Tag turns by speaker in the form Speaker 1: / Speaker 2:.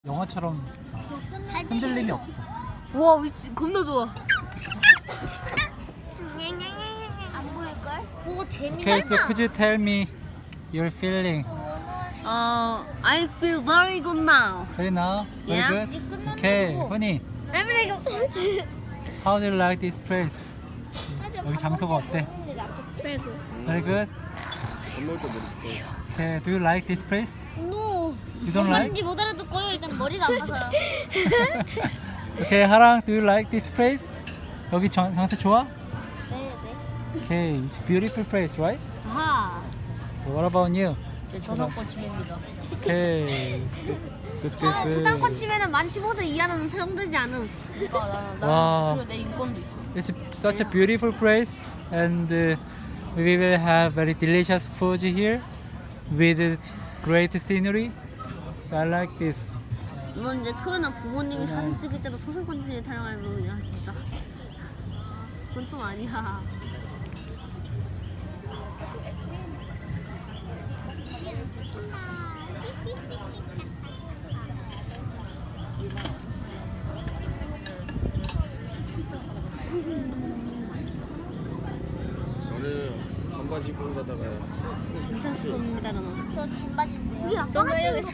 Speaker 1: 영화처럼 흔들림이 없어.
Speaker 2: 우와 위치 겁나 좋아.
Speaker 3: 안 보일걸? 그거
Speaker 1: Okay, so could you tell me your feeling
Speaker 2: I feel very good now.
Speaker 1: right now? Very
Speaker 2: Yeah.
Speaker 1: good? Okay, honey, how do you like this place? 여기 장소가 어때? Very good? Okay, do you like this place?
Speaker 3: No.
Speaker 1: You don't like?
Speaker 3: 뭔지 못 알아듣고요. 일단 머리가 아파서요.
Speaker 1: Okay, 하랑, do you like this place? 여기 장소 좋아?
Speaker 3: 네.
Speaker 1: Okay, it's a beautiful place, right?
Speaker 2: 아하.
Speaker 1: What about you?
Speaker 2: 제 저작권 침해입니다.
Speaker 1: Okay, good, good,
Speaker 2: 부상권
Speaker 1: good.
Speaker 2: 치면은 만 15세 이하는 처형되지 않음. 그러니까
Speaker 1: 와.
Speaker 2: 나는 내 인권도 있어.
Speaker 1: It's such a beautiful place, and we will have very delicious food here with great scenery. So I like this.
Speaker 2: 넌 이제 크면 부모님이 사진 찍을 때도 초상권 침해 타령할 놈이야 진짜. 그건 좀 아니야.
Speaker 4: 너는 반바지 입고 가다가
Speaker 2: 괜찮습니다 너는.
Speaker 3: 저 긴바지인데요.
Speaker 2: 좀 여기